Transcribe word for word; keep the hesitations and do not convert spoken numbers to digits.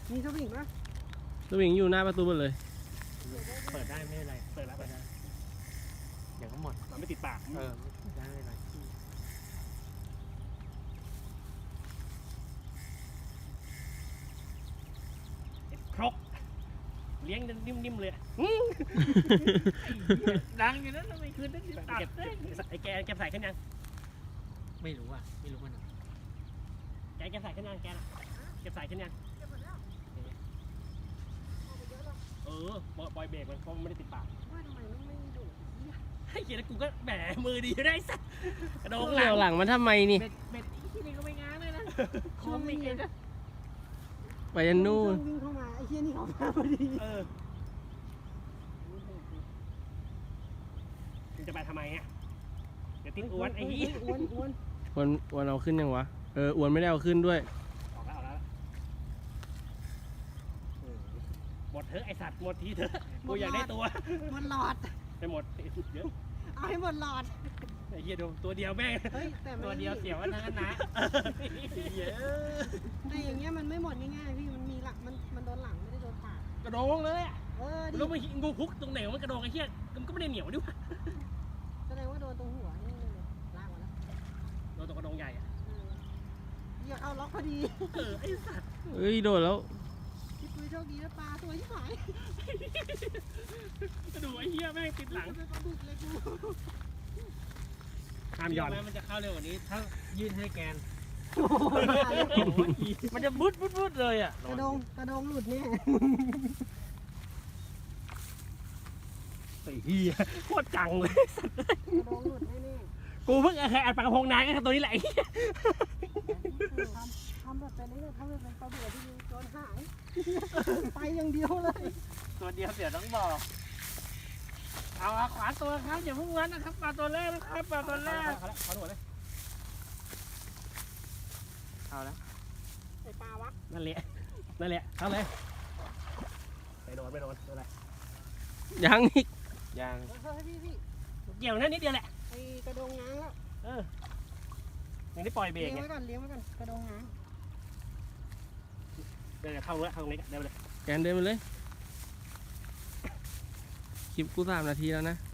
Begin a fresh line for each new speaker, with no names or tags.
มีสวิงปะ
สวิงอยู่หน้าประตูหมดเลย
เปิดได้ไม่เป็นไรเปิดแล้วเปิดได้เดี๋ยวก็หมด
มันไม่ติดปาก
เออได้ไม่เป็นไร
ครกเลี้ยงนิ่มๆเลย
ดังอยู่นั้นทำไมคืนนั้นตัด
เก็บ
ได้
ไอ้แกแกใส่ขึ้นยัง
ไม่รู้อ่ะไม่รู้มัน
แกแกใส่ขึ้นยังแกน่ะเก็บใส่ขึ้นยังเออบอยเบรกมันเพราะมันไม่ได้ติดปาก
ว่าทำไมมันไม่ดุ
ไอ้เหี้ยแล้วกูก็แหมมือดีได้สักกระโดงห
เกี่
ลั
ยว
ง
หลังมันทำไมนี่
เบ็ดเบ็ดที่นี่ก็ไม่ง้างเลยนะ
ช่วงนี้นะ
ไปยันนู่น
วิ่งเข้ามาไอ้เหี้ยนี่เขามาพอดี
เออมึงจะไปทำไมอ่ะเดี๋ยวทิ้งอ้วนไอ้เหี้ย
อ้วนอ้วน
อ้วนอ้วนเอาขึ้นยังวะ เอออ้วนไม่ได้เอาขึ้นด้วย
ออกแล้วออกแล้วเออหมดเถอะไอสัตว์หมดทีเถอะกูอยากได้ตัว
หมดหลอด
ไปหมดเดี๋ยว
เอาให้หมดหลอด
ไอ้เหี้ยดูตัวเดียวแม่ง
เฮ้ยแต่
ตัวเดียวเสียวกันทั้งนั้นนะ
เหี้ย
แต่อย่างเงี้ยมันไม่หมดง่ายๆพี่มันมีหลักมันมันโดนหลังไม่ได้โดนปาก
กระโดงเลยอะ
เออดิ
แล้วมันงูพุกตรงไหนวะมันกระโดงไอ้เหี้ยมันก็ไม่ได้เหนียวดิวะ
แสดงว่าโดนตรงหัวนี่เลยลากมาแล้ว
โดนตรงกระโดงใหญ่อะ
เอออย่าเอาล็อกพอดี
เออไอ้สัตว์
เอ้ยโดดแล้ว
พี่ปุ้ยโชคดีนะปลาตัวยิ่งหาย
ดูไอ้เหี้ยแม่งติดหลัง
เป็นปลาดุกเลยกู
ห้ามหย่อน
มันจะเข้าเร็วกว่านี้ถ้ายื่นให้แกน
โอ้โหตายแล้ว
มันจะบุดบุดบุดเลยอ่ะ
กระดงกระดงหลุดเนี่ย
ไอ้เหี้ยโคตรจังเลย
กระดงหลุดแน่
กูเพิ่งเคยอัดปลากระพงนานก็ตัวนี้แหละไอ้เหี้ย
ๆทำทำแบบเป็นนี่ทำแบบเป็นปลาเบื่อที่โดนหาย ไปอย่างเดียวเลย
ตัวเดียวเดี๋ยวต้องบอก เอาเอาขวาตัวครับอย่าเพิ่งวันนะครับปลาตัวแรกนะครับปลาตัวแรก
เอาละเอาละเอาละ
เอาแล้ว
ไอปลาวะ
นั่นแหละนั่นแหละเอาเลยไปโดนไปโดนอะไร
ยังอีก
ยัง
เฮ้ยพี่พี่
เกี่ยวนั่นนิดเดียวแหละ
ไอกระดงง้างแล้ว
เออยังได้ปล่อยเบร
เลี้
ก
ยง
ไง
ไว้ก่อนเลี้ยงไว้ก่อนกระดงง้าง
เดี๋ยวเข้าเลยเข้าตรงนี้กันเดี๋ยวเลย
แกนเดินไปเลย คลิปกูสามนาทีแล้วนะ